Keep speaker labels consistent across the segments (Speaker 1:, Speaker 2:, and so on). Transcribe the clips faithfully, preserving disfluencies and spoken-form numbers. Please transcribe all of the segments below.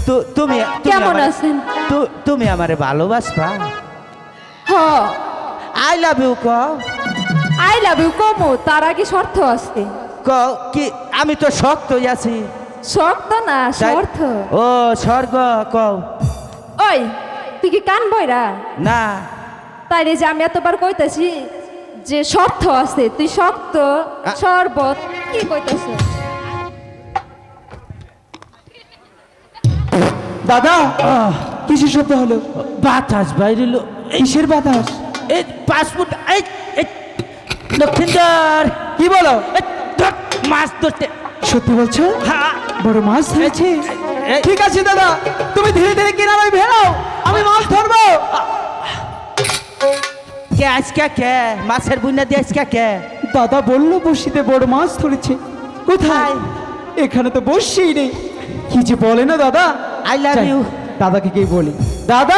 Speaker 1: তু- তুমি তুমি
Speaker 2: কেমন
Speaker 1: আমারে-
Speaker 2: আছেন?
Speaker 1: তু- তুমি আমারে ভালোবাসবা?
Speaker 2: হ
Speaker 1: আই লাভ ইউ ক
Speaker 2: আই লাভ ইউ কমো তার আগে শর্ত আছে।
Speaker 1: ক কি আমি তো শক্ত আছি।
Speaker 2: শর্ত না
Speaker 1: তাই-
Speaker 2: শর্ত।
Speaker 1: ও স্বর্গ কও
Speaker 2: ওই তুই কি কান বইরা?
Speaker 1: না।
Speaker 2: তাই রে যে আমি এতবার কইতাছি যে শর্ত আছে, তুই শক্ত
Speaker 1: আ-
Speaker 2: শরবত কি কইতাছ?
Speaker 3: দাদা
Speaker 1: আহ,
Speaker 3: কিসের শব্দ হলো?
Speaker 1: বাতাস বাইরিল।
Speaker 3: কিসের বাতাস?
Speaker 1: এই পাসপোর্ট এই এই, লক্ষিন্দর
Speaker 3: কি বলো?
Speaker 1: এই, ধর, মাছ ধরতে।
Speaker 3: সত্যি বলছো?
Speaker 1: হ্যাঁ
Speaker 3: বড় মাছ ধরেছে?
Speaker 1: এই-
Speaker 3: ঠিক আছে দাদা, তুমি ধীরে ধীরে কিনারায় ভেড়াও, আমি মাছ ধরবো।
Speaker 1: কে আজকে কে মাছের বুনা দিয়ে আজকে কে?
Speaker 3: দাদা বললো বড়শিতে বড় মাছ ধরেছে। কোথায়? এখানে তো বড়শি নেই। কি যে বলে না দাদা।
Speaker 1: I love
Speaker 3: যাই,
Speaker 1: you.
Speaker 3: দাদাকে কি বলি? দাদা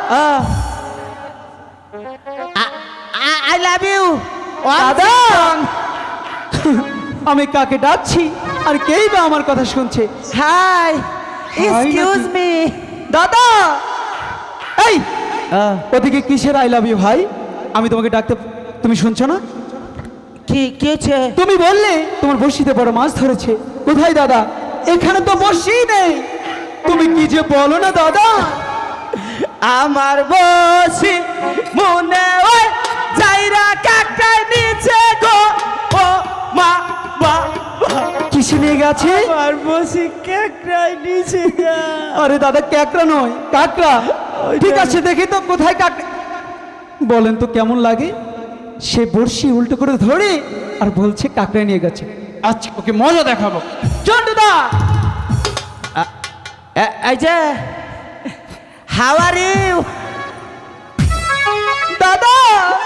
Speaker 1: আই লাভ ইউ
Speaker 3: দাদা আমি কাকে ডাকছি আর কেই বা আমার কথা শুনছে?
Speaker 1: হাই এক্সকিউজ
Speaker 3: নাকি?
Speaker 1: মি।
Speaker 3: দাদা এই ওদিকে কিসের আই লাভ ইউ ভাই? আমি তোমাকে ডাকতে, তুমি শুনছো না?
Speaker 1: কি কি হচ্ছে?
Speaker 3: তুমি বললে তোমার বড়শিতে বড় মাছ ধরেছে। কোথায় দাদা? এখানে তো বড়শি নেই। তুমি কি যে বলো না দাদা।
Speaker 1: আমার বসি মনে ওই যাইরা কাকাই নিচে গো ও মা বা
Speaker 3: কিসে নিয়ে গেছে?
Speaker 1: আমার বসি কাকাই নিচে গা।
Speaker 3: আরে দাদা ক্যাকড়া নয় কাকড়া। ঠিক আছে দেখি তো কোথায় কাকড়া। বলেন তো কেমন লাগে? সে বড়শি উল্টো করে ধরে আর বলছে কাকড়া নিয়ে গেছে। আচ্ছা ওকে মজা দেখাবো। চন্ডুদা
Speaker 1: এই যে হাউ আর ইউ
Speaker 3: দাদা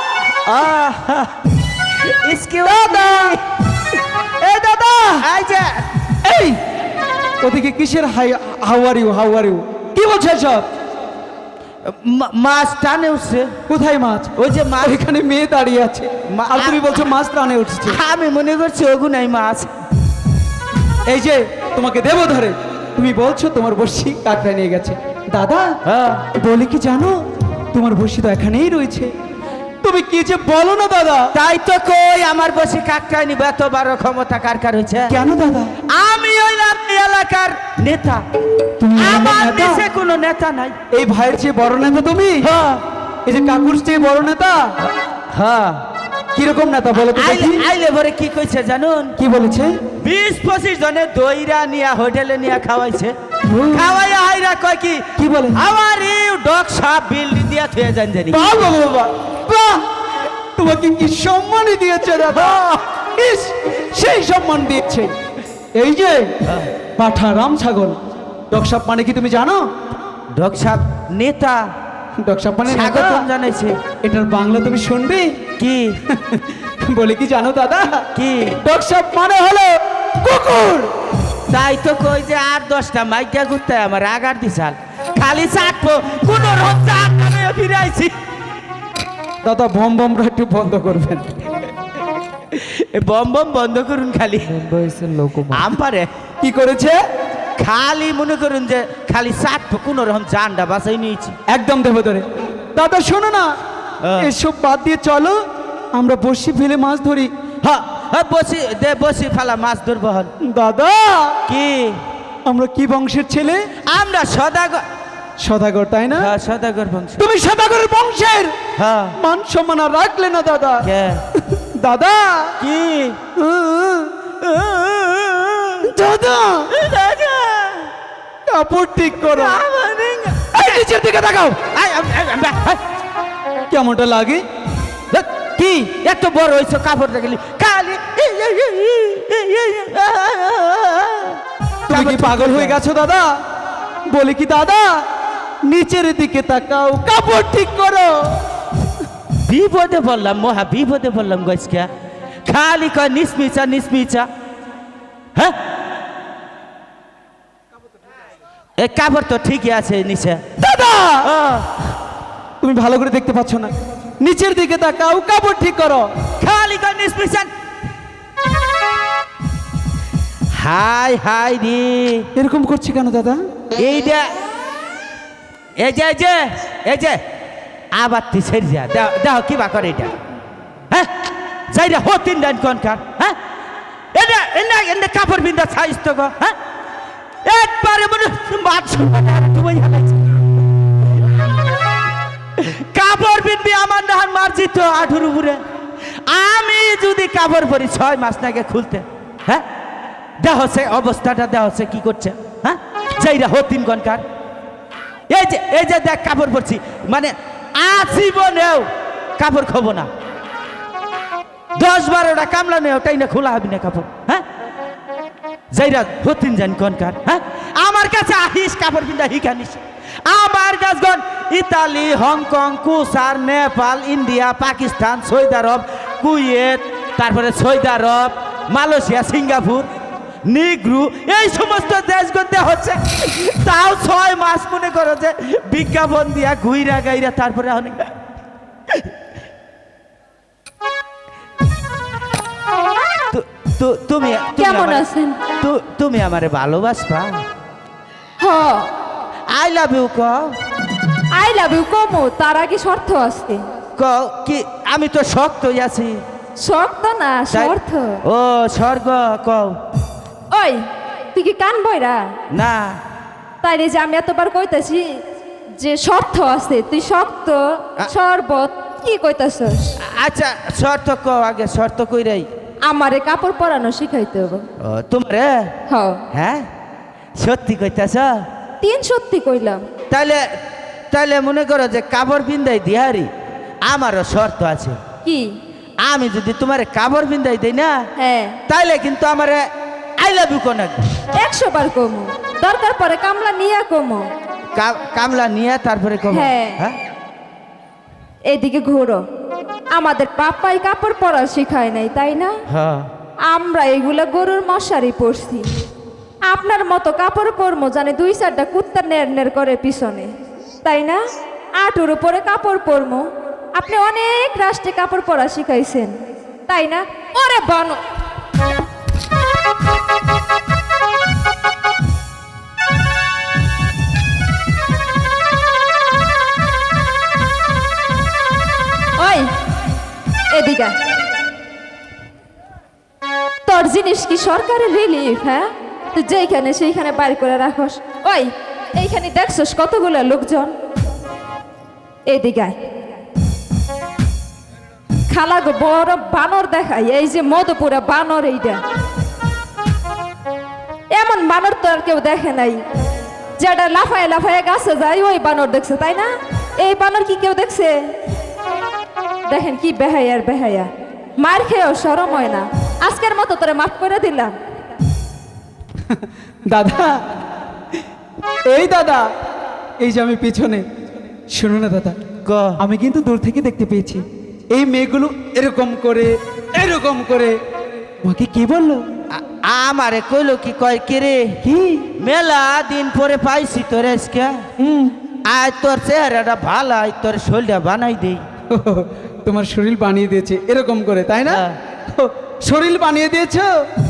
Speaker 1: এক্সকিউজ মি।
Speaker 3: এই দাদা
Speaker 1: এই যে
Speaker 3: এই ওদিকে কিসের hi how are you how are you কি বলছে সব?
Speaker 1: মা- মাছ টানে উঠছে।
Speaker 3: কোথায় মাছ?
Speaker 1: ওই যে মাছ।
Speaker 3: এখানে মেয়ে দাঁড়িয়ে আছে
Speaker 1: মা-
Speaker 3: আর তুমি বলছো মাছ প্রাণে উঠছে।
Speaker 1: আমি মনে করছি ওগুনাই মাছ।
Speaker 3: এই যে তোমাকে দেবো ধরে, তুমি বলছো তোমার বড়শি কাকড়া নিয়ে গেছে। দাদা
Speaker 1: হ্যাঁ।
Speaker 3: বলে কি জানো, তোমার বড়শি তো এখানেই রয়েছে। তুমি কি যে বলো না দাদা।
Speaker 1: তাই তো কই আমার বসে কাকটাই নিব, এত বড় ক্ষমতা কার কার হয়েছে?
Speaker 3: কেন দাদা?
Speaker 1: আমি ওই এলাকার নেতা।
Speaker 3: তুমি
Speaker 1: আমার
Speaker 3: নেতা?
Speaker 1: দেশে কোনো নেতা নাই।
Speaker 3: এই ভাইয়ের চেয়ে বড় নেতা তুমি?
Speaker 1: হ্যাঁ
Speaker 3: এই যে কাকুর চেয়ে বড় নেতা?
Speaker 1: হ্যাঁ।
Speaker 3: কিরকম নেতা বলো তো
Speaker 1: আইলে
Speaker 3: দেখি?
Speaker 1: আইলে ভরে কি কইছে জানুন?
Speaker 3: কি বলেছে?
Speaker 1: বিশ পঁচিশ জনে দইরা নিয়া হোটেলে নিয়া খাওয়াইছে।
Speaker 3: হুম।
Speaker 1: খাওয়াইয়া হাইরা কয় কি
Speaker 3: কি বলে?
Speaker 1: আমার এই ডক সাপ বিল দিয়া থুয়ে যান জানি।
Speaker 3: বাহ বাহ বাহ, বাহ বাহ! তোমাকে কি সম্মানই দিয়েছে দাদা। ইস, সেই সম্মান দিয়েছে। এই যে পাঠা রাম ছাগল ডকসাপ মানে কি তুমি জানো?
Speaker 1: ডক সাপ নেতা
Speaker 3: ডকসাপ মানে নেতা?
Speaker 1: স্বাগতম জানাইছে।
Speaker 3: এটার বাংলা তুমি শুনবে?
Speaker 1: কি
Speaker 3: বলে কি জানো দাদা?
Speaker 1: কি
Speaker 3: ডকসাপ মানে হলো কুকুর।
Speaker 1: তাই তো কই যে আর দশটা মাইকা ঘুরতে আমার আগার দিশাল খালি চাটবো কোন রকম চাট নামে ফিরে আইছি।
Speaker 3: দাদা বম বমরা একটু বন্ধ করবেন।
Speaker 1: এ বম বম বন্ধ করুন খালি। আমারে
Speaker 3: কি করেছে?
Speaker 1: খালি মনে করুন যে খালি চাটবো কোন রকম জানটা বাঁচাই নিয়েছি।
Speaker 3: একদম দেবো ধরে। দাদা শোনো না,
Speaker 1: হ্যাঁ।
Speaker 3: এসব বাদ দিয়ে চলো আমরা বড়শি ফেলে মাছ ধরি।
Speaker 1: হ্যাঁ হ্যাঁ বসি দে বসি ফালা মাছ ধরবো হন।
Speaker 3: দাদা
Speaker 1: কি
Speaker 3: আমরা কি বংশের ছেলে?
Speaker 1: আমরা সদাগর।
Speaker 3: সদাগর তাই না?
Speaker 1: হ্যাঁ সদাগর বংশ।
Speaker 3: তুমি সদাগরের বংশের
Speaker 1: হ্যাঁ
Speaker 3: মান সম্মান আর রাখলে না দাদা।
Speaker 1: কে
Speaker 3: দাদা
Speaker 1: কি
Speaker 3: দাদা
Speaker 1: দাদা
Speaker 3: কাপড় ঠিক করো।
Speaker 1: আমারে
Speaker 3: এই নিচের দিকে তাকাও।
Speaker 1: আই, আম, আম, আম, আম,
Speaker 3: কেমনটা লাগে?
Speaker 1: ধ্যাৎ, কি এত বড় হয়েছে কাপড় দেখলি খালি
Speaker 3: তুমি কি পাগল হয়ে গেছো দাদা? বলি কি দাদা নিচের দিকে তাকাও, কাপড় ঠিক করো।
Speaker 1: বিপদে বললাম মহা বিপদে বললাম গজকা খালি কয় নিসমিচা নিসমিচা। হ্যাঁ এ কাপড় তো ঠিকই আছে নিচে।
Speaker 3: দাদা তুমি ভালো করে দেখতে পাচ্ছ না, নিচের দিকে তাকাও, কাপড় ঠিক করো।
Speaker 1: খালি কয় নিসমিচা। হাই হাই রে
Speaker 3: এরকম করছি কেন দাদা?
Speaker 1: এইটা এই যে এই যে এই যে আবার তুই ছেড়ে যা দেখ দেখো কি বা করে এটা হ্যাঁ যাই রে হো তিন ডান কনকার হ্যাঁ এটা এনে এনে কাপড় বিন্দা ছাইস তো গো হ্যাঁ একবারে মনে মাছ তুমি কাপড় বিনবি আমার নাহান মারছি তো আঠুর উপরে আমি যদি কাপড় পরি ছয় মাস নাগে খুলতে হ্যাঁ দেহ সে অবস্থাটা দেহ সে কি করছে হ্যাঁ যাইরা হতিন গনকার এই যে এই যে দেখ কাপড় পরছি মানে আজীবনেও কাপড় খবো না দশ বারোটা কামলা নেই ওটাই না খোলা হবি না কাপড় হ্যাঁ যাইরা হতিন জান গনকার হ্যাঁ আমার কাছে আহিস কাপড় পিন্দা হিখানিস আমার কাছগণ ইতালি হংকং কুসার Nepal India Pakistan Saudi Arab Kuwait তারপরে সৌদি আরব মালয়েশিয়া সিঙ্গাপুর নিগ্রু এই সমস্ত দেশগুলোতে হচ্ছে তাও ছয় মাস মনে করো যে বিজ্ঞাপন দিয়া ঘুইরা গাইরা তারপরে অনেক তু- তু- তুমি তুমি
Speaker 2: কেমন
Speaker 1: আমারে-
Speaker 2: আছেন?
Speaker 1: তু- তুমি আমারে ভালোবাসবা
Speaker 2: হ
Speaker 1: আই লাভ ইউ ক
Speaker 2: আই লাভ ইউ কমো তার আগে শর্ত আছে।
Speaker 1: ক কি আমি তো শক্তই আছি
Speaker 2: শর্ত না
Speaker 1: তাই-
Speaker 2: শর্ত।
Speaker 1: ও স্বর্গ কও
Speaker 2: ওই তুই কি কান বইরা
Speaker 1: না
Speaker 2: তাই রে যে আমি এতবার কইতাছি যে শর্ত আছে তুই শক্ত
Speaker 1: আ-
Speaker 2: শরবত কি কইতাছস?
Speaker 1: আচ্ছা শর্ত কও আগে শর্ত কইরাই
Speaker 2: আমারে কাপড় পরানো শিখাইতে হবে।
Speaker 1: ও তোমারে
Speaker 2: হ
Speaker 1: হ্যাঁ সত্যি কইতাছ
Speaker 2: তিন সত্যি কইলাম।
Speaker 1: তাইলে তাইলে মনে করো যে কাপড় বিন্দাই দিহারি আমারও শর্ত আছে
Speaker 2: কি?
Speaker 1: আমি যদি তোমার কাপড় বিন্দাই দেই না
Speaker 2: হ্যাঁ
Speaker 1: তাইলে কিন্তু আমারে আই লাভ ইউ কোন
Speaker 2: একশো বার কমো দরকার পরে কামলা নিয়ে কমো।
Speaker 1: কামলা নিয়ে তারপরে কব
Speaker 2: হ্যাঁ।
Speaker 1: হ্যাঁ
Speaker 2: এদিকে ঘোরো আমাদের পাপাই কাপড় পরা শিখায় নাই তাই না?
Speaker 1: হ্যাঁ
Speaker 2: আমরা এগুলা গরুর মশারি পরছি আপনার মতো কাপড় পরমো জানে দুই চারটা কুত্তা নের নের করে পিছনে তাই না? আটুর উপরে কাপড় পরমো আপনি অনেক রাষ্ট্রে কাপড় পরা শিখাইছেন তাই না? ওরে বানো ওই এদিকে আয়। তোর জিনিস কি সরকারের রিলিফ? হ্যাঁ তুই যেইখানে সেইখানে বাইর করে রাখস। ওই এইখানে দেখছস কতগুলো লোকজন এদিকে আয়। খালা গো বড় বানর দেখাই এই যে মধুপুরা বানর এইটা এমন বানর তো আর কেউ দেখে নাই যেটা লাফায় লাফায় গাছে যায় ওই বানর দেখছে তাই না? এই বানর কি কেউ দেখছে? দেখেন কি বেহায়ার বেহায়া মার খেয়েও সরম হয় না। আজকের মতো তোরে মাফ করে দিলাম।
Speaker 3: দাদা এই দাদা এই যে আমি পিছনে শুনো না দাদা
Speaker 1: ক
Speaker 3: আমি কিন্তু দূর থেকে দেখতে পেয়েছি এই মেয়েগুলো এরকম করে এরকম করে আমাকে কি বললো?
Speaker 1: আ- আমারে কইলো কি কয় কে রে
Speaker 3: কি?
Speaker 1: মেলা দিন পরে পাইছি তোর আজকে
Speaker 3: হুম
Speaker 1: আয় তোর চেহারাটা ভালো আয় তোর শরীরটা বানাই দেই
Speaker 3: তোমার শরীর বানিয়ে দিয়েছে এরকম করে তাই না?
Speaker 1: হ্যাঁ।
Speaker 3: ও, শরীর বানিয়ে দিয়েছো?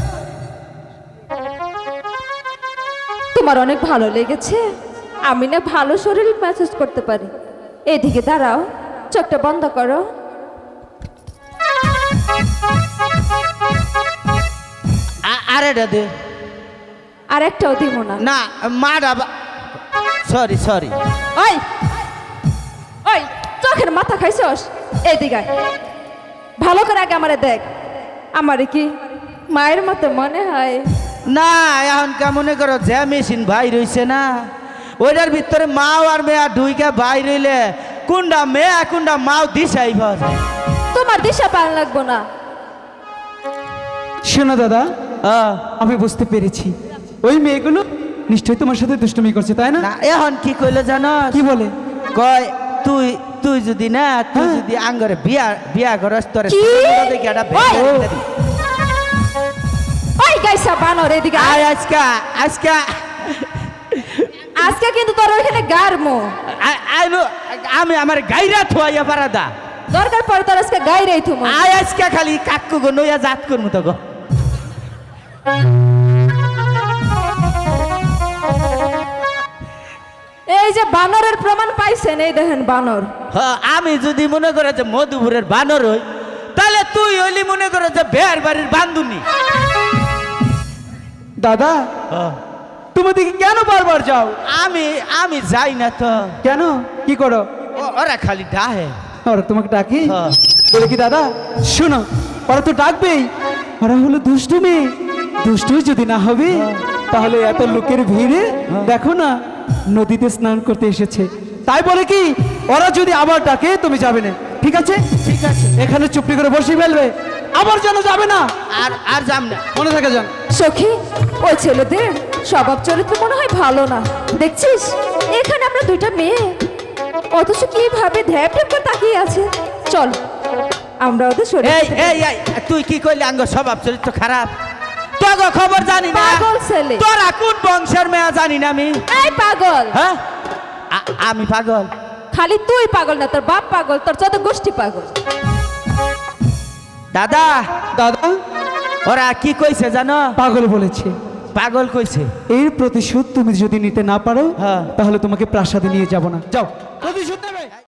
Speaker 2: তোমার অনেক ভালো লেগেছে? আমি না ভালো শরীর ম্যাসেজ করতে পারি। এদিকে দাঁড়াও চোখটা বন্ধ করো।
Speaker 1: আ- আরেটা দে
Speaker 2: আর একটাও দিব না।
Speaker 1: না মারা সরি সরি
Speaker 2: ওই ওই চোখের মাথা খাইছস? এদিকে আয়। ভালো করে আগে আমারে দেখ আমারে কি মায়ের মতো মনে হয়?
Speaker 1: না এখন কে মনে করো যে মেশিন ভাই রইছে না ওইটার ভিতরে মাও আর মেয়া দুইকে ভাই রইলে কোনটা মেয়া কোনটা মাও দিশাই পাওয়া যায়
Speaker 2: তোমার দিশা পাল লাগবো না।
Speaker 3: শোনো দাদা
Speaker 1: আহ,
Speaker 3: আমি বুঝতে পেরেছি ওই মেয়েগুলো নিশ্চয়ই তোমার সাথে দুষ্টুমি করছে তাই না?
Speaker 1: না এখন কি কইলে জানো
Speaker 3: কি বলে?
Speaker 1: কয় তুই তুই যদি না তুই
Speaker 3: হ্যাঁ।
Speaker 1: যদি আঙ্গরে বিয়া বিয়া করস তোর
Speaker 2: কি?
Speaker 1: দেখি একটা
Speaker 2: ওই!
Speaker 1: ভেঙে দিতে দিই।
Speaker 2: ওই গাইসা বানর এদিকে আয়।
Speaker 1: আয় আজকা আজকা
Speaker 2: আজকে কিন্তু তোর ওইখানে গারমো
Speaker 1: আ- আইলো- আমি আমার গাইরা থুয়াইয়া পারাদা
Speaker 2: দরকার পড়ে তোর আজকে গাইরেই থুমো।
Speaker 1: আয় আজকা খালি কাকু গো নইয়া জাত করমু তো গো
Speaker 2: যে বানরের প্রমাণ পাইছেন, এই দেখেন বানর।
Speaker 1: হ্যাঁ, আমি যদি মনে করে যে মধুপুরের বানর হই, তাহলে তুই হইলি মনে করে যে বের বাড়ির বান্ধুনি।
Speaker 3: দাদা তুমি দিকে কেন বারবার যাও?
Speaker 1: আমি আমি যাই না তো,
Speaker 3: কেন, কি করো?
Speaker 1: ও- ওরা খালি ডাহে।
Speaker 3: ওরা তোমাকে ডাকি?
Speaker 1: হ্যাঁ।
Speaker 3: বলে কি দাদা শোনো, ওরা তো ডাকবেই, ওরা হলো দুষ্টু মেয়ে, দুষ্টু যদি না হবে তাহলে এত লোকের ভিড়ে দেখো না নদীতে স্নান করতে এসেছে, তাই বলে কি ওরা যদি আবার ডাকে তুমি যাবে না, ঠিক আছে?
Speaker 1: ঠিক আছে,
Speaker 3: এখানে চুপটি করে বসে ফেলবে, আবার যেন যাবে না,
Speaker 1: আর আর যাম না।
Speaker 3: মনে থাকে যান।
Speaker 2: সখী, ওই ছেলেদের স্বভাব চরিত্র মনে হয় ভালো না, দেখছিস এখানে আমরা দুইটা মেয়ে, অথচ কিভাবে ধ্যাপ ধ্যাপ করে তাকিয়ে আছে। চল আমরা ওদের সরে
Speaker 1: এই এই এই, তুই কি কইলি আঙ্গ স্বভাব চরিত্র খারাপ? তোগো খবর জানি না,
Speaker 2: পাগল ছেলে।
Speaker 1: তোরা কোন বংশের মেয়ে জানি না আমি।
Speaker 2: এই পাগল,
Speaker 1: হ্যাঁ, আ- আমি পাগল?
Speaker 2: খালি তুই পাগল না, তোর বাপ পাগল, তোর যত গোষ্ঠী পাগল।
Speaker 1: দাদা,
Speaker 3: দাদা
Speaker 1: ওরা কি কইছে জানো?
Speaker 3: পাগল বলেছে,
Speaker 1: পাগল কইছে।
Speaker 3: এর প্রতিশোধ তুমি যদি নিতে না পারো
Speaker 1: হ্যাঁ।
Speaker 3: তাহলে তোমাকে প্রাসাদে নিয়ে যাব না, যাও প্রতিশোধ নেবে।